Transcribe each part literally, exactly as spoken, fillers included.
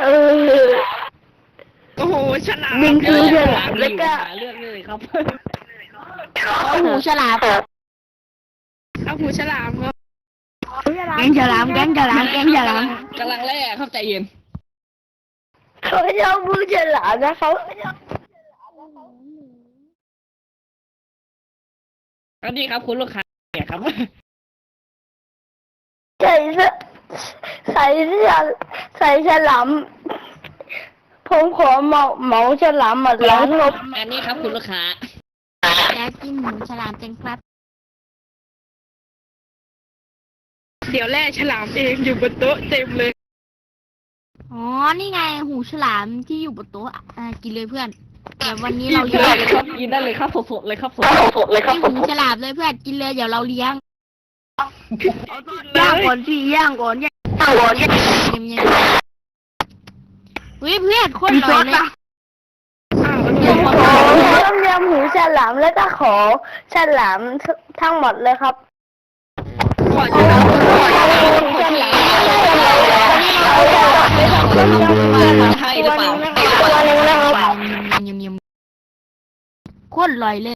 เออโอ้โหฉลามบิงคือฉลามแล้วก็หาเรื่องเลยครับเอาหูฉลามเอาหูฉลามครับแกงฉลามแกงฉลามแกงฉลามกำลังแล่เข้าใจเย็นเขาชอบมือฉลามนะเขาอันนี้ครับคุณลูกค้าเนี่ยครับใส่เสื้อใส่เสื้อใส่ฉลามผมขอเหมาเหมาฉลามมาล้างรถอันนี้ครับคุณลูกค้าอยากกินหูฉลามจังครับเดี๋ยวแล่ฉลามเองอยู่บนโต๊ะเต็มเลยอ๋อ นี่ไงหูฉลามที่อยู่บนโต๊ะอ่ากินเลยเพื่อนแต่วันนี้กินเราได้เลี้ยงเลยครับกินได้เลยครับสดๆเลยครับสดสดเลยครับกินหูฉลามเลยเพื่อนกินเลยเดี๋ยวเราเลี้ยงย่างก่อนสิย่างก่อนย่างก่อนย่างเยี่ยมเยี่ยมเฮ้ยเพื่อนโคตรอร่อยเลยผมขอต้มยำหูฉลามแล้วก็ขอฉลามทั้งหมดเลยครับขอฉลามหูฉลามให้หรือเปล่าตัวนึงนะครับเยี่ยมเยี่ยมโคตรอร่อยเลย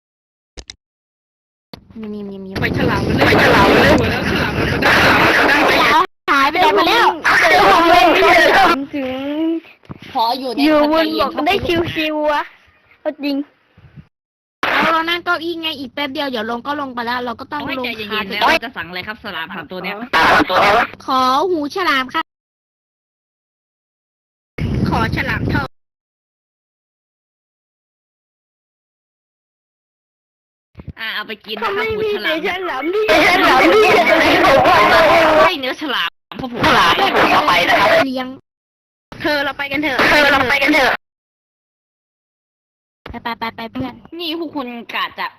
เยี่ยมเยี่ยมเยี่ยมเยี่ยมไปฉลามมันเลยฉลามมันเลยหมดแล้วฉลามมันได้ฉลามมันได้หายไปไหนมาแล้วถึงขออยู่ในอยู่บนบกได้ชิวๆวะเอาจริงเราเรานั่งเก้าอี้ไงอีกแป๊บเดียวเดี๋ยวลงก็ลงไปแล้ว เราก็ต้องให้ลงใจเย็คานๆไปแล้วเราจะสั่งอะไรครับสลามสามตัวเนี้ยขอหูฉลามค่ะขอฉลามทองอ่าเอาไปกินนะถ้าครับไม่หูมีฉลาแต่มฉลามที่ฉลามที่จะไหนผมว่าให้เนื้อฉลามพ่อผมฉลามผมเอาไปนะครับเลี้ยงเธอเราไปกันเถอะเออเราไปกันเถอะไปไปไปไปเพื่อนนี่พวกคุณกาจะ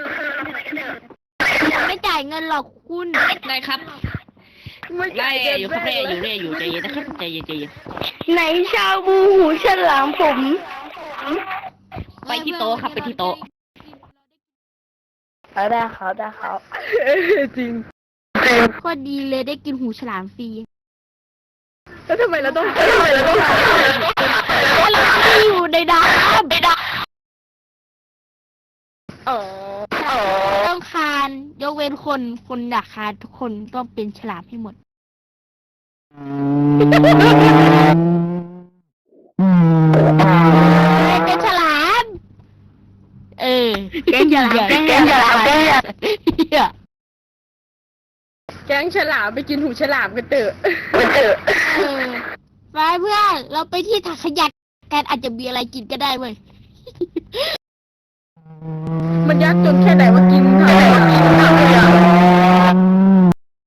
ไม่จ่ายเงินหรอกคุณได้ครับได้อยู่ครับได้อยู่ได้อยู่ใจเย็นนะครับใจเย็นใจเย็นไหนชาบูหูฉลามผมไปที่โต๊ะครับไปที่โต๊ะเอาได้เขาได้เขาจริงโคตรดีเลยได้กินหูฉลามฟรีแล้วทำไมเราต้องทำไมเราต้องเราไม่อยู่ในน้ำเออเออต้องคานยกเว้นคนคนอยากคานทุกคนต้องเป็นฉลามให้หมดเป็นฉลาม เออแกงฉลามแกงฉลามแกงฉลามเหี้ยแก๊งฉลามไปกินหูฉลามกันเถอะเออเออไปเพื่อนเราไปที่ถังขยะกันอาจจะมีอะไรกินก็ได้เว้ย